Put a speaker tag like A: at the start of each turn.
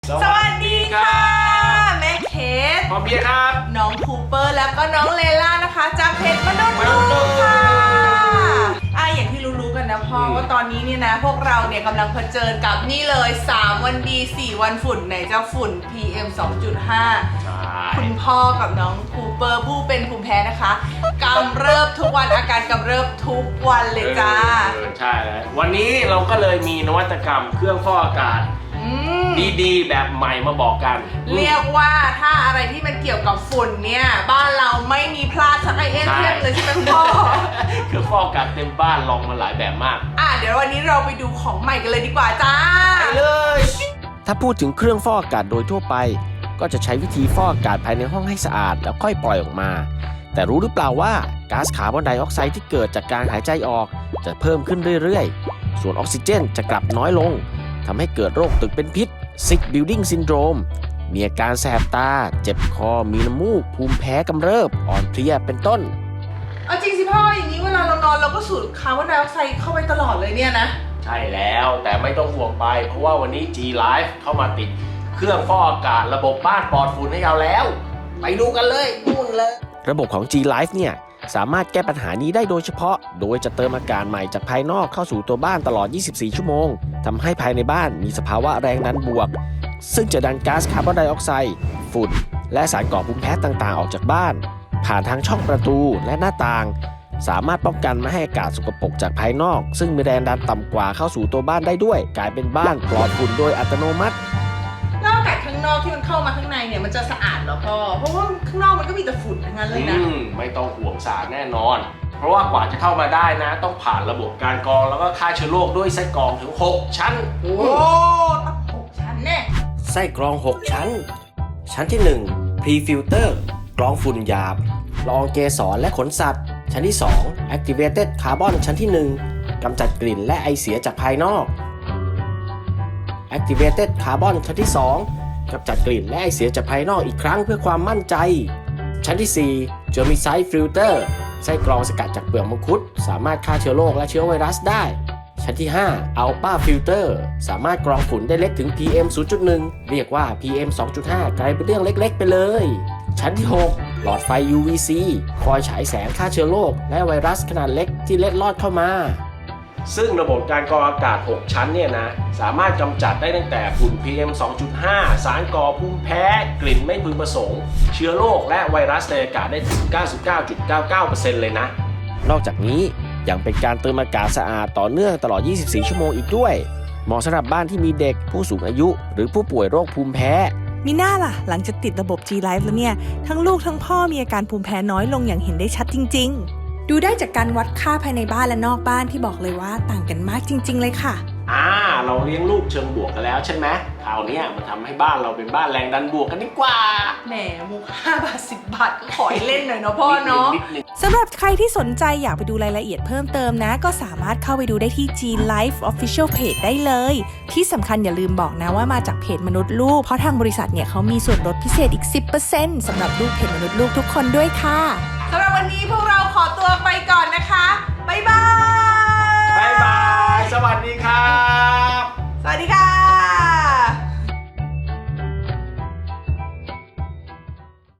A: สวัสดีค่ะแม่เคส
B: พ่อเบียร์ครับ
A: น้องคูเปอร์แล้วก็น้องเลล่านะคะจากเพจมนุษย์ลูกค่ะอย่างที่รู้ๆกันนะพ่อว่าตอนนี้เนี่ยนะพวกเราเนี่ยกำลังเผชิญกับนี่เลย3วันดี4วันฝุ่นไหนจะฝุ่น PM 2.5 คุณพ่อกับน้องคูเปอร์ผู้เป็นภูมิแพ้นะคะกำเริบทุกวันอาการกำเริบทุกวันเลยจ้า
B: ใช่แล้ววันนี้เราก็เลยมีนวัตกรรมเครื่องฟอกอากาศดีๆแบบใหม่มาบอกกัน
A: เรียกว่าถ้าอะไรที่มันเกี่ยวกับฝุ่นเนี่ยบ้านเราไม่มีพลาดสักไอเทียมเลยใช่ไหมคุณพ่อ
B: เครื่องฟอกอากาศเต็มบ้านลองมาหลายแบบมาก
A: เดี๋ยววันนี้เราไปดูของใหม่กันเลยดีกว่าจ้า
B: ไปเลย
C: ถ้าพูดถึงเครื่องฟอกอากาศโดยทั่วไปก็จะใช้วิธีฟอกอากาศภายในห้องให้สะอาดแล้วค่อยปล่อยออกมาแต่รู้หรือเปล่าว่าก๊าซคาร์บอนไดออกไซด์ที่เกิดจากการหายใจออกจะเพิ่มขึ้นเรื่อยๆส่วนออกซิเจนจะกลับน้อยลงทำให้เกิดโรคตึกเป็นพิษ Sick Building Syndrome มีอาการแสบตาเจ็บคอมีน้ำมูกภูมิแพ้กำเริบอ่อนเพลียเป็นต้น
A: จริงสิพ่ออย่างนี้เวลาเรานอนเราก็สูดคาร์บอนไดออกไซด์เข้าไปตลอดเลยเนี่ยนะ
B: ใช่แล้วแต่ไม่ต้องห่วงไปเพราะว่าวันนี้ G Life เข้ามาติดเครื่องฟอกอากาศระบบบ้านปลอดฝุ่นให้เราแล้วไปดูกันเลยนู่นเลย
C: ระบบของ G Life เนี่ยสามารถแก้ปัญหานี้ได้โดยเฉพาะโดยจะเติมอากาศใหม่จากภายนอกเข้าสู่ตัวบ้านตลอด 24 ชั่วโมงทำให้ภายในบ้านมีสภาวะแรงดันบวกซึ่งจะดันก๊าซคาร์บอนไดออกไซด์ฝุ่นและสารก่อภูมิแพ้ต่างๆออกจากบ้านผ่านทางช่องประตูและหน้าต่างสามารถป้องกันไม่ให้อากาศสกปรกจากภายนอกซึ่งมีแรงดันต่ำกว่าเข้าสู่ตัวบ้านได้ด้วยกลายเป็นบ้านปลอดฝุ่นโดยอัตโนมัติ
A: แล้วอากาศข้างนอกที่มันเข้ามาข้างในเนี่ยมันจะสะอาดเหรอพ่อเพราะว่าข้างนอกมันก็มีแต่ฝุ่นทั้งนั้นเลยนะ
B: ไม่ต้องห่วงสะอาดแน่นอนเพราะว่ากว่าจะเข้ามาได้นะต้องผ่านระบบการกรองแล้วก็ฆ่าเชื้อโรคด้วยไส้กรองถึง6ชั้น
A: โอ้ตั้ง6ชั้นแน่
C: ไส้กรอง6ชั้นชั้นที่1 Pre-filter กรองฝุ่นหยาบละอองเกสรและขนสัตว์ชั้นที่2 Activated Carbon ชั้นที่1กำจัดกลิ่นและไอเสียจากภายนอก Activated Carbon ชั้นที่2กำจัดกลิ่นและไอเสียจากภายนอกอีกครั้งเพื่อความมั่นใจชั้นที่4 Germicide Filter ไส้กรองสกัดจากเปลือกมังคุดสามารถฆ่าเชื้อโรคและเชื้อไวรัสได้ชั้นที่5 Alpha Filter สามารถกรองฝุ่นได้เล็กถึง PM 0.1 เรียกว่า PM 2.5 กลายเป็นเรื่องเล็กๆไปเลยชั้นที่6หลอดไฟ UVC คอยฉายแสงฆ่าเชื้อโรคและไวรัสขนาดเล็กที่เล็ดลอดเข้ามา
B: ซึ่งระบบการกรองอากาศ6ชั้นเนี่ยนะสามารถกำจัดได้ตั้งแต่ฝุ่น PM 2.5 สารก่อภูมิแพ้กลิ่นไม่พึงประสงค์เชื้อโรคและไวรัสในอากาศได้ถึง 99.99% เลยนะ
C: นอกจากนี้ยังเป็นการเติมอากาศสะอาดต่อเนื่องตลอด 24 ชั่วโมงอีกด้วยเหมาะสำหรับบ้านที่มีเด็กผู้สูงอายุหรือผู้ป่วยโรคภูมิแพ้
D: มีหน้าล่ะหลังจากติดระบบ G Life แล้วเนี่ยทั้งลูกทั้งพ่อมีอาการภูมิแพ้น้อยลงอย่างเห็นได้ชัดจริงๆดูได้จากการวัดค่าภายในบ้านและนอกบ้านที่บอกเลยว่าต่างกันมากจริงๆเลยค่ะ
B: เราเลี้ยงลูกเชิงบวกกันแล้วใช่ไหมคราวนี้มันทำให้บ้านเราเป็นบ้านแรงดันบวกกันดีกว่า
A: แหมมุก5 บาท 10 บาทก็ขอให้เล่นหน่อยเนาะพ่อเนาะ
D: สำหรับใครที่สนใจอยากไปดูรายละเอียดเพิ่มเติมนะก็สามารถเข้าไปดูได้ที่ G Life Official Page ได้เลยที่สำคัญอย่าลืมบอกนะว่ามาจากเพจมนุษย์ลูกเพราะทางบริษัทเนี่ยเขามีส่วนลดพิเศษอีก 10% สำหรับลูกเพจมนุษย์ลูกทุกคนด้วยค่ะ
A: สำหรับวันนี้